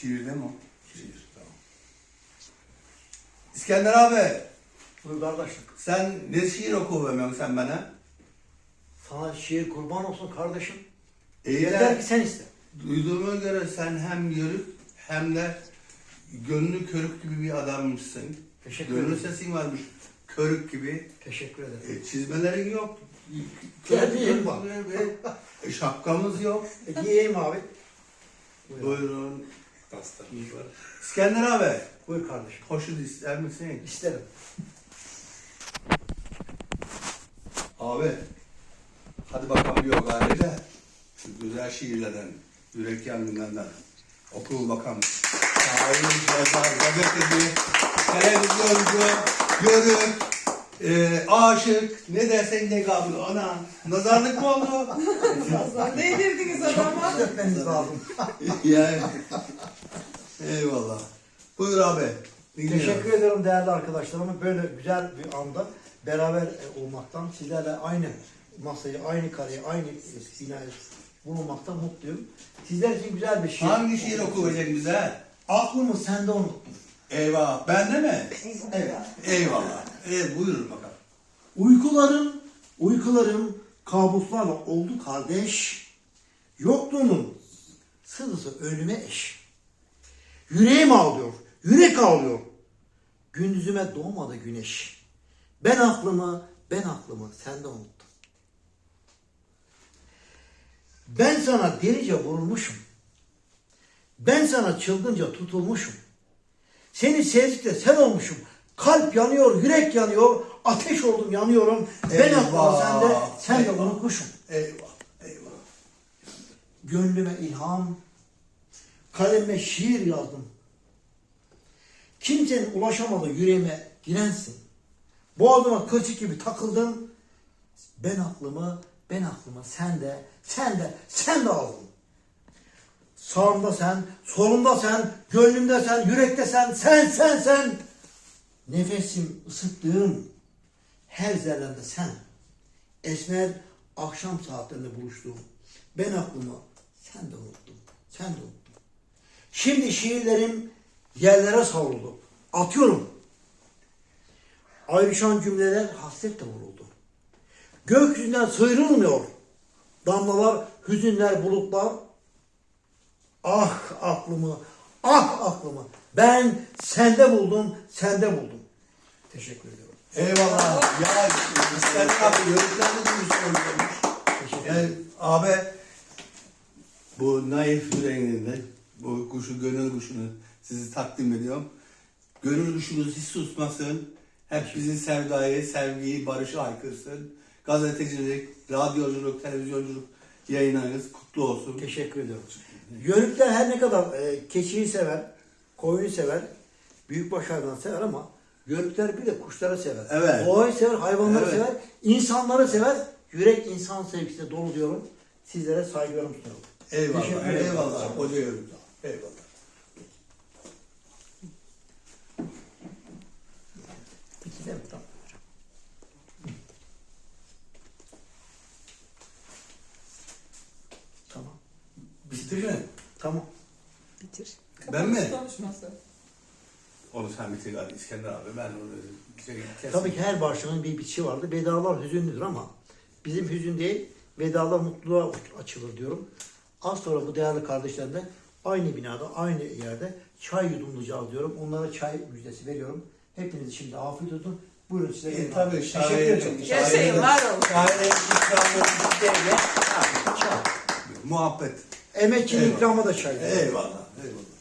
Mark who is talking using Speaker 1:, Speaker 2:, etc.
Speaker 1: Şiir değil mi o? Şiir, tamam. İskender abi,
Speaker 2: Buyur kardeşim.
Speaker 1: sen ne şiir okuyamıyorsun sen bana?
Speaker 2: Sana şiir kurban olsun kardeşim.
Speaker 1: İyi
Speaker 2: Yeter
Speaker 1: de
Speaker 2: ki sen iste.
Speaker 1: duyduğuma göre sen hem yörük hem de gönlü körük gibi bir adammışsın.
Speaker 2: Teşekkür
Speaker 1: Gönlü
Speaker 2: ederim.
Speaker 1: sesin varmış, körük gibi.
Speaker 2: Teşekkür ederim.
Speaker 1: Çizmelerin yok.
Speaker 2: Giyeyim bak.
Speaker 1: Şapkamız yok.
Speaker 2: Giyeyim abi. Buyur.
Speaker 1: Buyurun. Pastamız var. İskender abi,
Speaker 2: Buyur kardeşim.
Speaker 1: poşet ister misin?
Speaker 2: İsterim.
Speaker 1: Abi, hadi bakalım bir yok haliyle. Şu güzel şiirlerden, yürek yangınlarından oku bakalım. Şair, yazar, gazeteci, televizyoncu, yörük, aşık, ne dersen de kabul. Ana, nazarlık mı oldu?
Speaker 3: Ne yedirdiniz adama?
Speaker 2: Çok etmeniz lazım.
Speaker 1: Yani, eyvallah. Buyur abi. dinliyorum.
Speaker 2: Teşekkür ederim değerli arkadaşlarım. Böyle güzel bir anda beraber olmaktan, sizlerle aynı masayı, aynı kareyi, aynı binayı bulunmaktan mutluyum. Sizler için güzel bir şiir.
Speaker 1: Hangi şiir okuyacaksın bize?
Speaker 2: Aklımı sende unuttum.
Speaker 1: Eyvah, bende mi?
Speaker 2: Evet.
Speaker 1: Eyvallah. Buyurun bakalım.
Speaker 2: Uykularım kabuslarla oldu kardeş. Yokluğunun sızısı ölüme eş. Yüreğim ağlıyor, yürek ağlıyor. Gündüzüme doğmadı güneş. Ben aklımı sende unuttum. Ben sana delice vurulmuşum. Ben sana çılgınca tutulmuşum. Seni sevdikçe sen olmuşum. Kalp yanıyor, yürek yanıyor, ateş oldum yanıyorum. Ben aklımı sen de unutmuşum.
Speaker 1: Eyvah, eyvah.
Speaker 2: Gönlüme ilham, kaleme şiir yazdım. Kimsenin ulaşamadığı yüreğime girensin. Boğazıma kılçık gibi takıldın. Ben aklımı sen de aldın. Sağımda sen, solumda sen, gönlümde sen, yürekte sen. Nefesim ısıttığım her zerremde sen. Esmer akşam saatlerinde buluştuğum. Ben aklımı sen de unuttun. Şimdi şiirlerim yerlere savruldu. Atıyorum. Ayrışan cümleler hasretle vuruldu. Gökyüzünden sıyrılmıyor. Damlalar, hüzünler, bulutlar. Ah aklımı. Ben sende buldum. Teşekkür ediyorum.
Speaker 1: Eyvallah. Ya İskender abi yörüklerle duymuş. Yani abi bu naif yüreğinde bu kuşu, gönül kuşunu sizi takdim ediyorum. Gönül kuşunuz hiç susmasın. Hep bizi sevgiyi, barışı haykırsın. Gazetecilik, radyoculuk, televizyonculuk yayınlarınız kutlu olsun.
Speaker 2: Teşekkür ediyorum. Yörükler her ne kadar keçiyi sever, koyunu sever, büyükbaş hayvanı sever ama yörükler bir de kuşları sever.
Speaker 1: Evet.
Speaker 2: Doğayı sever, hayvanları
Speaker 1: Evet.
Speaker 2: sever, insanları sever. Yürek insan sevgisiyle dolu diyorum. Sizlere saygılarımı sunuyorum.
Speaker 1: Eyvallah,
Speaker 2: Teşekkür ederim.
Speaker 1: eyvallah. Hoca yörük. Eyvallah.
Speaker 2: İki de mi? Tamam. Tamam.
Speaker 1: Bitti mi?
Speaker 2: Tamam.
Speaker 3: Bitir.
Speaker 1: Ben mi?
Speaker 3: Konuşması.
Speaker 1: Onu sen bitir galiba İskender abi. Ben onu kesin.
Speaker 2: Tabii ki her barışın bir bitişi vardır. Vedalar hüzünlüdür ama bizim hüzün değil, vedalar mutluluğa açılır diyorum. Az sonra bu değerli kardeşlerimle aynı binada, aynı yerde çay yudumlayacağız diyorum. Onlara çay müjdesi veriyorum. Hepiniz şimdi afiyet olsun. Buyurun size.
Speaker 1: Tabii
Speaker 2: Teşekkür ederim.
Speaker 3: Yaşayın, var olun.
Speaker 1: Şair'in ikramlarını çay. Muhabbet.
Speaker 2: Emekçinin ikramı da çay.
Speaker 1: Eyvallah, eyvallah.